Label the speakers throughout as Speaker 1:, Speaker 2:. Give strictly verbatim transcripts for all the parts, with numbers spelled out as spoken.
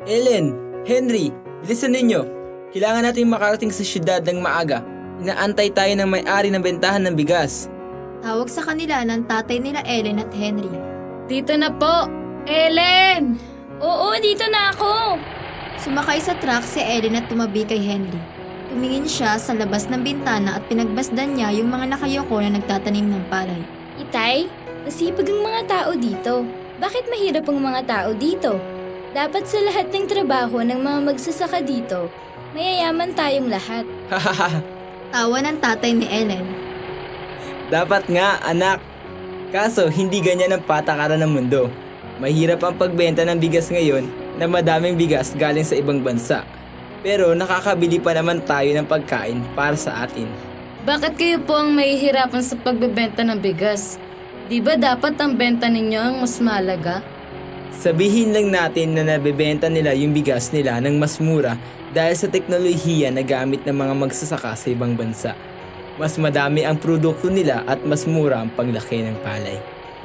Speaker 1: Ellen, Henry, bilisan ninyo. Kailangan natin makarating sa syudad ng maaga. Inaantay tayo ng may-ari ng bentahan ng bigas.
Speaker 2: Tawag sa kanila ng tatay nila Ellen at Henry.
Speaker 3: Dito na po! Ellen! Oo, dito na ako!
Speaker 2: Sumakay sa truck si Ellen at tumabi kay Henry. Tumingin siya sa labas ng bintana at pinagbasdan niya yung mga nakayoko na nagtatanim ng palay.
Speaker 3: Itay, masipag ang mga tao dito. Bakit mahirap ang mga tao dito? Dapat sa lahat ng trabaho ng mga magsasaka dito, mayayaman tayong lahat.
Speaker 1: Hahaha,
Speaker 2: Tawa ng tatay ni Ellen.
Speaker 1: dapat nga anak. Kaso hindi ganyan ang patakaran ng mundo. Mahirap ang pagbenta ng bigas ngayon na madaming bigas galing sa ibang bansa. Pero nakakabili pa naman tayo ng pagkain para sa atin.
Speaker 3: Bakit kayo po ang mahihirapan sa pagbebenta ng bigas? Di ba dapat ang benta ninyo ang mas malaga?
Speaker 1: Sabihin lang natin na nabebenta nila yung bigas nila ng mas mura dahil sa teknolohiya na gamit ng mga magsasaka sa ibang bansa. Mas madami ang produkto nila at mas mura ang paglaki ng palay.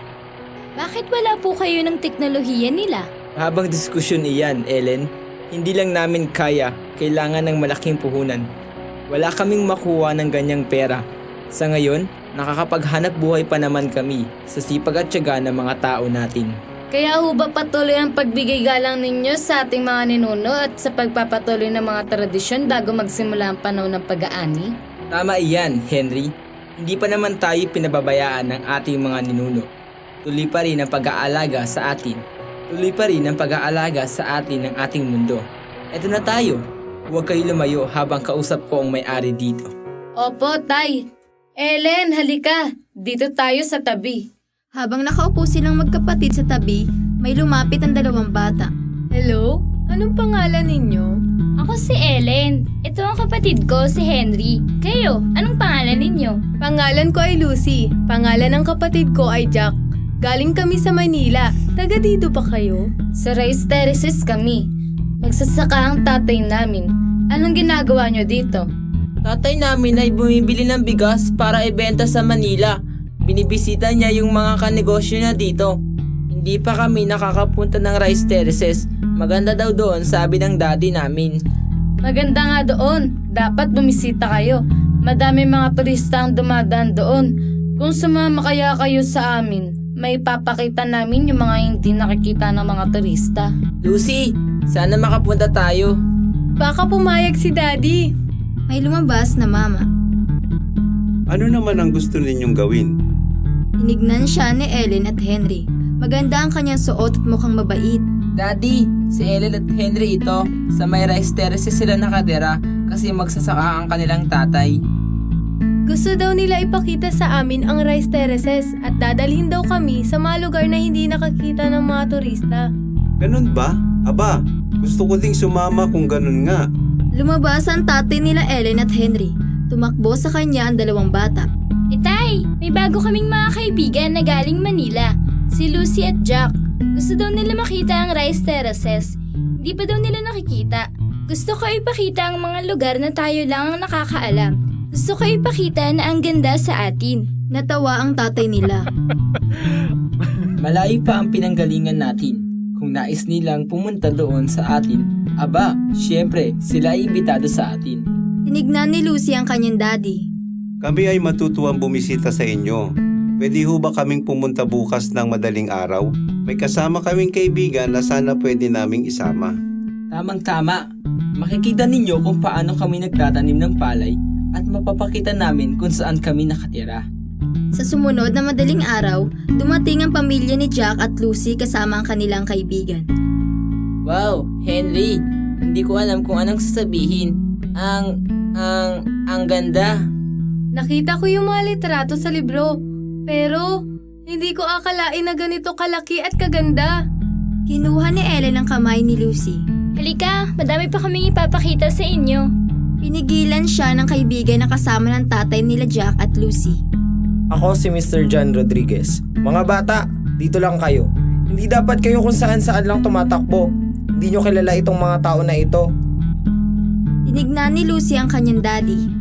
Speaker 3: Bakit wala po kayo ng teknolohiya nila?
Speaker 1: Habang diskusyon iyan, Ellen, hindi lang namin kaya, kailangan ng malaking puhunan. Wala kaming makuha ng ganyang pera. Sa ngayon, nakakapaghanap buhay pa naman kami sa sipag at tiyaga ng mga tao natin.
Speaker 3: Kaya ho ba patuloy ang pagbigay galang ninyo sa ating mga ninuno at sa pagpapatuloy ng mga tradisyon bago magsimula ang panahon ng pag-aani?
Speaker 1: Tama iyan, Henry. Hindi pa naman tayo pinababayaan ng ating mga ninuno. Tuloy pa rin ang pag-aalaga sa atin. Tuloy pa rin ang pag-aalaga sa atin ng ating mundo. Eto na tayo. Huwag kayo lumayo habang kausap ko ang may-ari dito.
Speaker 3: Opo, Tay. Ellen, halika. Dito tayo sa tabi.
Speaker 2: Habang nakaupo silang magkapatid sa tabi, may lumapit ang dalawang bata.
Speaker 4: Hello? Anong pangalan ninyo?
Speaker 3: Ako si Ellen. Ito ang kapatid ko, si Henry. Kayo, anong pangalan ninyo?
Speaker 4: Pangalan ko ay Lucy. Pangalan ng kapatid ko ay Jack. Galing kami sa Manila. Taga dito pa kayo?
Speaker 3: Sa rice terraces kami. Magsasaka ang tatay namin. Anong ginagawa nyo dito?
Speaker 1: Tatay namin ay bumibili ng bigas para ibenta sa Manila. Binibisita niya yung mga kanegosyo niya dito. Hindi pa kami nakakapunta ng rice terraces. Maganda daw doon, sabi ng daddy namin.
Speaker 3: Maganda nga doon. Dapat bumisita kayo. Madami mga turista ang dumadaan doon. Kung sumama kaya kayo sa amin, may papakita namin yung mga hindi nakikita ng mga turista.
Speaker 1: Lucy, sana makapunta tayo.
Speaker 4: Baka pumayag si Daddy.
Speaker 2: May lumabas na mama.
Speaker 5: Ano naman ang gusto ninyong gawin?
Speaker 2: Tinignan siya ni Ellen at Henry. Maganda ang kanyang suot at mukhang mabait.
Speaker 1: Daddy, si Ellen at Henry ito. Sa may rice terraces sila nakatira kasi magsasaka ang kanilang tatay.
Speaker 4: Gusto daw nila ipakita sa amin ang rice terraces at dadalhin daw kami sa mga lugar na hindi nakakita ng mga turista.
Speaker 5: Ganun ba? Aba, gusto ko ding sumama kung ganun nga.
Speaker 2: Lumabas ang tatay nila Ellen at Henry. Tumakbo sa kanya ang dalawang bata.
Speaker 3: Itay, may bago kaming mga kaibigan na galing Manila. Si Lucy at Jack. Gusto daw nila makita ang rice terraces. Hindi pa daw nila nakikita. Gusto ko ipakita ang mga lugar na tayo lang ang nakakaalam. Gusto ko ipakita na ang ganda sa atin.
Speaker 2: Natawa ang tatay nila.
Speaker 1: Malayo pa ang pinanggalingan natin. Kung nais nilang pumunta doon sa atin, aba, syempre, sila ay imbitado sa atin.
Speaker 2: Tinignan ni Lucy ang kanyang daddy.
Speaker 5: Kami ay matutuwang bumisita sa inyo. Pwede ho ba kaming pumunta bukas ng madaling araw? May kasama kaming kaibigan na sana pwede naming isama.
Speaker 1: Tamang-tama. Makikita ninyo kung paano kami nagtatanim ng palay at mapapakita namin kung saan kami nakatira.
Speaker 2: Sa sumunod na madaling araw, dumating ang pamilya ni Jack at Lucy kasama ang kanilang kaibigan.
Speaker 1: Wow, Henry, hindi ko alam kung anong sasabihin. Ang, ang, ang ganda.
Speaker 4: Nakita ko yung mga litrato sa libro, pero hindi ko akalain na ganito kalaki at kaganda.
Speaker 2: Kinuha ni Ellen ang kamay ni Lucy.
Speaker 3: Halika, madami pa kaming ipapakita sa inyo.
Speaker 2: Pinigilan siya ng kaibigan na kasama ng tatay nila Jack at Lucy.
Speaker 6: Ako si Mister John Rodriguez. Mga bata, dito lang kayo. Hindi dapat kayo kung saan saan lang tumatakbo. Hindi nyo kilala itong mga tao na ito.
Speaker 2: Tinignan ni Lucy ang kanyang daddy.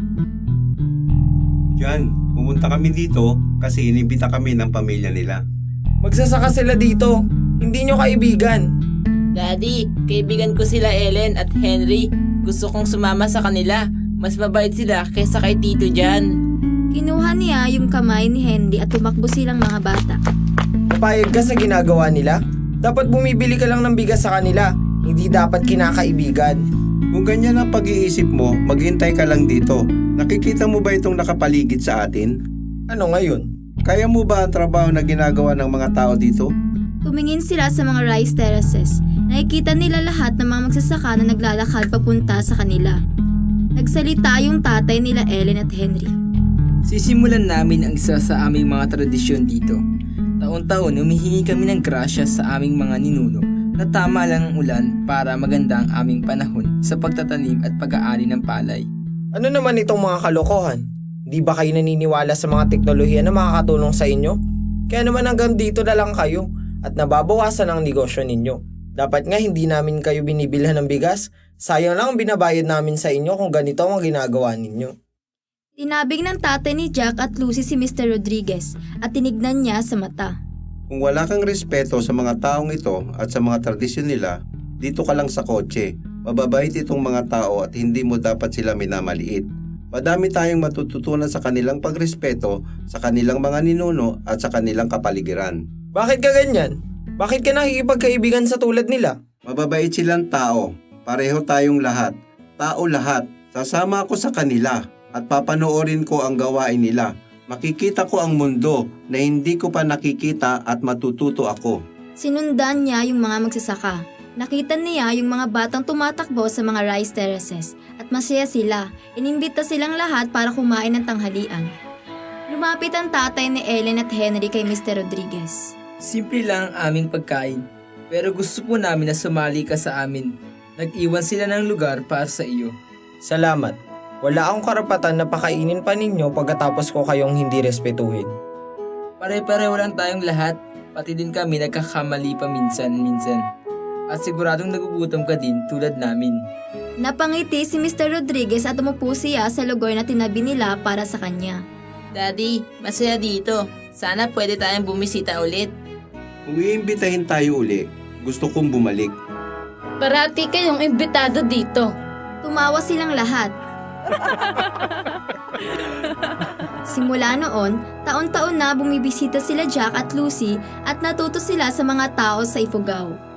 Speaker 5: Yan, pumunta kami dito kasi inibita kami ng pamilya nila.
Speaker 6: Magsasaka sila dito. Hindi nyo kaibigan.
Speaker 1: Daddy, kaibigan ko sila Ellen at Henry. Gusto kong sumama sa kanila. Mas mabait sila kaysa kay Tito Jan.
Speaker 2: Kinuha niya yung kamay ni Henry at tumakbo silang mga bata.
Speaker 6: Papayag ka sa ginagawa nila? Dapat bumibili ka lang ng bigas sa kanila. Hindi dapat kinakaibigan.
Speaker 5: Kung ganyan ang pag-iisip mo, maghintay ka lang dito. Nakikita mo ba itong nakapaligid sa atin?
Speaker 6: Ano ngayon?
Speaker 5: Kaya mo ba ang trabaho na ginagawa ng mga tao dito?
Speaker 2: Tumingin sila sa mga rice terraces. Nakikita nila lahat ng mga magsasaka na naglalakad papunta sa kanila. Nagsalita yung tatay nila Ellen at Henry.
Speaker 1: Sisimulan namin ang isa sa aming mga tradisyon dito. Taon-taon humihingi kami ng grasya sa aming mga ninuno na tama lang ang ulan para maganda ang aming panahon sa pagtatanim at pag-aari ng palay.
Speaker 6: Ano naman itong mga kalokohan? Di ba kayo naniniwala sa mga teknolohiya na makakatulong sa inyo? Kaya naman hanggang dito na lang kayo at nababawasan ang negosyo ninyo. Dapat nga hindi namin kayo binibilhan ng bigas. Sayang lang ang binabayad namin sa inyo kung ganito ang ginagawa ninyo.
Speaker 2: Tinabig ng tatay ni Jack at Lucy si Mister Rodriguez at tinignan niya sa mata.
Speaker 5: Kung wala kang respeto sa mga taong ito at sa mga tradisyon nila, dito ka lang sa kotse. Mababait itong mga tao at hindi mo dapat sila minamaliit. Madami tayong matututunan sa kanilang pagrespeto, sa kanilang mga ninuno at sa kanilang kapaligiran.
Speaker 6: Bakit ka ganyan? Bakit ka nakikipagkaibigan sa tulad nila?
Speaker 5: Mababait silang tao. Pareho tayong lahat. Tao lahat. Sasama ako sa kanila at papanoorin ko ang gawain nila. Makikita ko ang mundo na hindi ko pa nakikita at matututo ako.
Speaker 2: Sinundan niya yung mga magsasaka. Nakita niya yung mga batang tumatakbo sa mga rice terraces at masaya sila. Inimbita silang lahat para kumain ng tanghalian. Lumapit ang tatay ni Ellen at Henry kay Mister Rodriguez.
Speaker 1: Simple lang ang aming pagkain, pero gusto po namin na sumali ka sa amin. Nag-iwan sila ng lugar para sa iyo.
Speaker 6: Salamat. Wala akong karapatan na pakainin pa ninyo pagkatapos ko kayong hindi respetuhin.
Speaker 1: Pare-pareho lang tayong lahat, pati din kami nagkakamali pa minsan-minsan. At siguradong nagugutom ka din tulad namin.
Speaker 2: Napangiti si Mister Rodriguez at umupo siya sa lugar na tinabi nila para sa kanya.
Speaker 7: Daddy, masaya dito. Sana pwede tayong bumisita ulit.
Speaker 5: Kung iimbitahin tayo uli, gusto kong bumalik.
Speaker 4: Parati kayong imbitado dito.
Speaker 2: Tumawa silang lahat. Simula noon, taon-taon na bumibisita sila Jack at Lucy at natuto sila sa mga tao sa Ifugao.